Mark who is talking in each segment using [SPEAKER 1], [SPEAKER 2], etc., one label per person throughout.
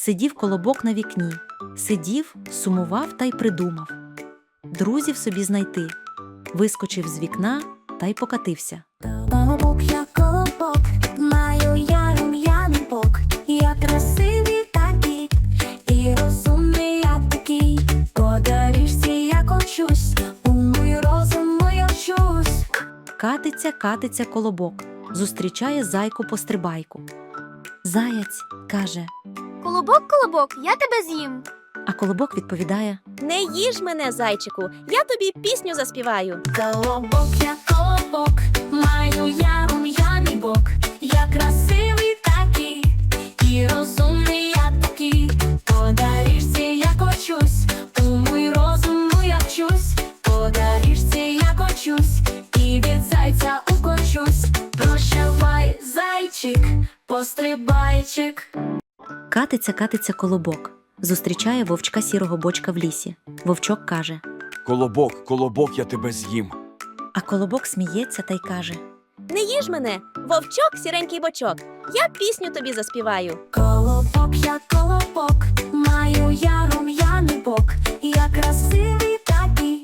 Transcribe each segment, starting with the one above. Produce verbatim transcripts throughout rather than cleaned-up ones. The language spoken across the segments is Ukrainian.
[SPEAKER 1] Сидів колобок на вікні, сидів, сумував та й придумав. Друзів собі знайти. Вискочив з вікна та й покатився.
[SPEAKER 2] Колобок, я колобок, маю я рум'яний бок. Я красивий такий, і розумний я такий. По доріжці я кочусь, у мій розум я вчусь.
[SPEAKER 1] Катиться, катиться колобок, зустрічає зайку-пострибайку. Заяць каже,
[SPEAKER 3] Колобок, колобок, я тебе з'їм.
[SPEAKER 1] а колобок відповідає:
[SPEAKER 4] Не їж мене, зайчику, я тобі пісню заспіваю.
[SPEAKER 2] Колобок, я колобок, маю я рум'яний бок. Я красивий такий, і розумний я такий. По доріжці я кочусь, у мій розум я вчусь. По доріжці я кочусь, і від зайця укочусь. Прощавай, зайчик, пострибайчик.
[SPEAKER 1] Катиться, катиться колобок, зустрічає вовчка сірого бочка в лісі. Вовчок каже,
[SPEAKER 5] Колобок, колобок, я тебе з'їм.
[SPEAKER 1] а колобок сміється та й каже:
[SPEAKER 4] Не їж мене, вовчок, сіренький бочок, я пісню тобі заспіваю.
[SPEAKER 2] Колобок, я колобок, маю я рум'яний бок. Я красивий такий,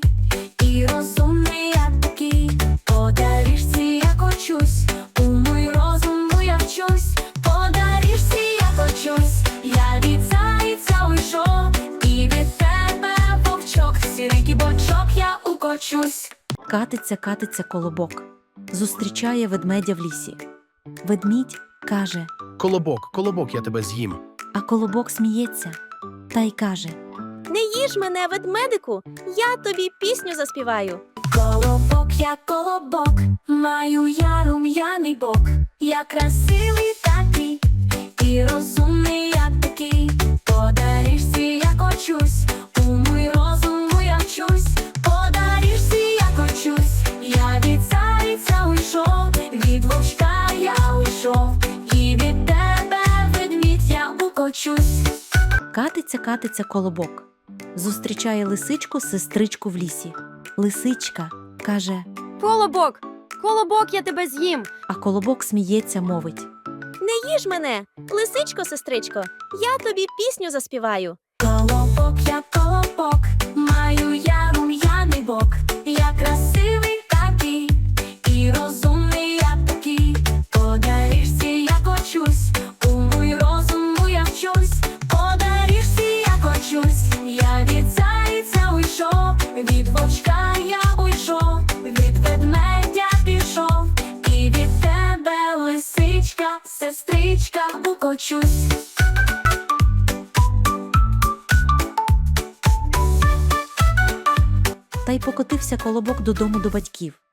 [SPEAKER 2] і розумний я такий. По доріжці я кочусь, у мій розум я вчусь. По доріжці я кочусь, я від зайця уйшов, і від тебе, вовчок, сіренький бочок, я укочусь.
[SPEAKER 1] Катиться, катиться колобок, зустрічає ведмедя в лісі. Ведмідь каже,
[SPEAKER 6] Колобок, колобок, я тебе з'їм.
[SPEAKER 1] а колобок сміється та й каже:
[SPEAKER 4] Не їж мене, ведмедику, я тобі пісню заспіваю.
[SPEAKER 2] Колобок, я колобок, маю я рум'яний бок. Я красивий такий, і розумний я такий. По доріжці я кочусь, у мій розум я вчусь. По доріжці я кочусь, я від зайця уйшов, від вовчка я уйшов, і від тебе, ведмідь, я укочусь.
[SPEAKER 1] Катиться, катиться колобок, зустрічає лисичку сестричку в лісі. Лисичка каже,
[SPEAKER 3] Колобок, колобок, я тебе з'їм.
[SPEAKER 1] а колобок сміється, мовить:
[SPEAKER 4] Не їж мене, лисичко, сестричко, я тобі пісню заспіваю.
[SPEAKER 2] Колобок, я колобок, маю я рум'яний бок. Я красивий такий, і розумний я такий. По доріжці я кочусь, у мій розум я вчусь. По доріжці я кочусь, я від зайця уйшов, від вовчка я уйшов, від ведмедя пішов, і від тебе, лисичка, сестричка, укочусь.
[SPEAKER 1] та й покотився колобок додому до батьків.